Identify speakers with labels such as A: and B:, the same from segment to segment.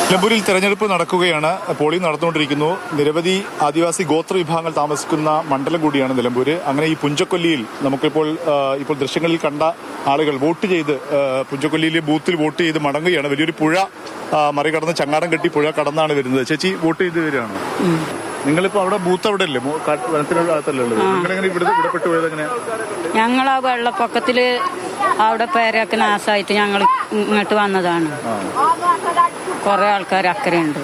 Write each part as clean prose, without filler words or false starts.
A: നിലമ്പൂരിൽ തെരഞ്ഞെടുപ്പ് നടക്കുകയാണ്. പോളിംഗ് നടന്നുകൊണ്ടിരിക്കുന്നു. നിരവധി ആദിവാസി ഗോത്ര വിഭാഗങ്ങൾ താമസിക്കുന്ന മണ്ഡലം കൂടിയാണ് നിലമ്പൂര്. അങ്ങനെ ഈ പുഞ്ചക്കൊല്ലിയിൽ നമുക്കിപ്പോൾ ദൃശ്യങ്ങളിൽ കണ്ട ആളുകൾ വോട്ട് ചെയ്ത് പുഞ്ചക്കൊല്ലിയിലെ ബൂത്തിൽ വോട്ട് ചെയ്ത് മടങ്ങുകയാണ്. വലിയൊരു പുഴ മറികടന്ന് ചങ്ങാടം കെട്ടി പുഴ കടന്നാണ് വരുന്നത്. ചേച്ചി വോട്ട് ചെയ്ത് വരികയാണ്. നിങ്ങളിപ്പോ അവിടെ ബൂത്ത് അവിടെ അല്ലേ, വനത്തിനകത്തല്ലേ ഉള്ളത്? നിങ്ങളെങ്ങനെ ഇവിടെ പെട്ടു പോയത്? എങ്ങനെ?
B: ഞങ്ങൾ ആ വെള്ളപ്പൊക്കത്തില് അവിടെ പേരൊക്കെ നാശമായിട്ട് ഞങ്ങൾ ഇങ്ങോട്ട് വന്നതാണ്. കുറെ ആൾക്കാർ അക്കരയുണ്ട്.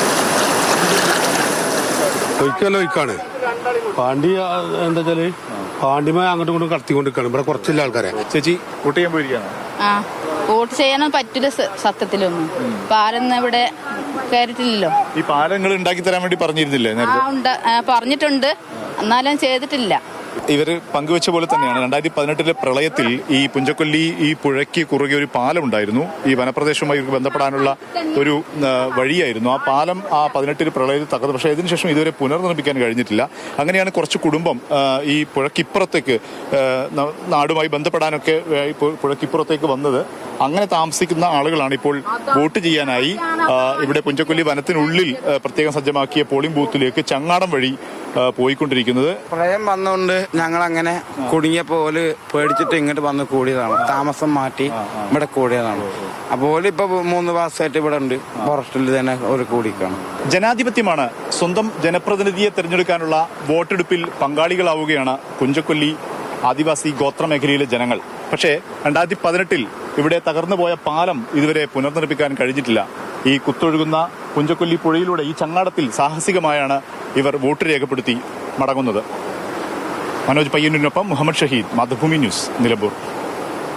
C: ഒഴിക്കാണ് പാണ്ടി. എന്താ വെച്ചാല് പാണ്ടിമ അങ്ങോട്ടും ഇങ്ങോട്ടും കടത്തിക്കൊണ്ടിരിക്കാണ്. ഇവിടെ കുറച്ചില്ല ആൾക്കാരെ.
A: ചേച്ചി വോട്ട് ചെയ്യാൻ പോയിരിക്കുകയാണ്.
D: വോട്ട് ചെയ്യാനും പറ്റില്ല. സത്യത്തിലൊന്നും പാലൊന്നും ഇവിടെ കയറിയിട്ടില്ലല്ലോ.
A: ഈ പാലങ്ങൾ ഉണ്ടാക്കി തരാൻ വേണ്ടി പറഞ്ഞിരുന്നില്ലേ?
D: പറഞ്ഞിട്ടുണ്ട്, എന്നാലും ചെയ്തിട്ടില്ല.
A: ഇവര് പങ്കുവെച്ച പോലെ തന്നെയാണ് 2018 പ്രളയത്തിൽ ഈ പുഞ്ചക്കൊല്ലി ഈ പുഴയ്ക്ക് കുറുകെ ഒരു പാലം ഉണ്ടായിരുന്നു. ഈ വനപ്രദേശവുമായി ബന്ധപ്പെടാനുള്ള ഒരു വഴിയായിരുന്നു. ആ പാലം ആ 18 പ്രളയത്തിൽ തകർന്നു. പക്ഷേ ഇതിനുശേഷം ഇതുവരെ പുനർനിർമ്മിക്കാൻ കഴിഞ്ഞിട്ടില്ല. അങ്ങനെയാണ് കുറച്ച് കുടുംബം ഈ പുഴയ്ക്കിപ്പുറത്തേക്ക് നാടുമായി ബന്ധപ്പെടാനൊക്കെ പുഴയ്ക്കിപ്പുറത്തേക്ക് വന്നത്. അങ്ങനെ താമസിക്കുന്ന ആളുകളാണ് ഇപ്പോൾ വോട്ട് ചെയ്യാനായി ഇവിടെ പുഞ്ചക്കൊല്ലി വനത്തിനുള്ളിൽ പ്രത്യേകം സജ്ജമാക്കിയ പോളിംഗ് ബൂത്തിലേക്ക് ചങ്ങാടം വഴി പോയിക്കൊണ്ടിരിക്കുന്നത്.
E: പ്രളയം വന്നുകൊണ്ട് ഞങ്ങൾ അങ്ങനെ കുടുങ്ങിയ പോലെ പേടിച്ചിട്ട് ഇങ്ങോട്ട് വന്ന് കൂടിയതാണ്. താമസം മാറ്റി ഇവിടെ കൂടിയതാണ്. അപ്പോൾ ഇപ്പൊ 3 മാസമായിട്ട് ഇവിടെ ഉണ്ട്. ഫോറസ്റ്റിൽ തന്നെ ഒരു കൂടിക്കാണ്.
A: ജനാധിപത്യമാണ്. സ്വന്തം ജനപ്രതിനിധിയെ തെരഞ്ഞെടുക്കാനുള്ള വോട്ടെടുപ്പിൽ പങ്കാളികളാവുകയാണ് പുഞ്ചക്കൊല്ലി ആദിവാസി ഗോത്രമേഖലയിലെ ജനങ്ങൾ. പക്ഷേ 2018 ഇവിടെ തകർന്നുപോയ പാലം ഇതുവരെ പുനർനിർമ്മിക്കാൻ കഴിഞ്ഞിട്ടില്ല. ഈ കുത്തൊഴുകുന്ന പുഞ്ചക്കൊല്ലി പുഴയിലൂടെ ഈ ചങ്ങാടത്തിൽ സാഹസികമായാണ് ഇവർ വോട്ട് രേഖപ്പെടുത്തി മടങ്ങുന്നത്. മനോജ് പയ്യന്നൂരിനൊപ്പം മുഹമ്മദ് ഷഹീദ്, മാതൃഭൂമി ന്യൂസ്, നിലമ്പൂർ.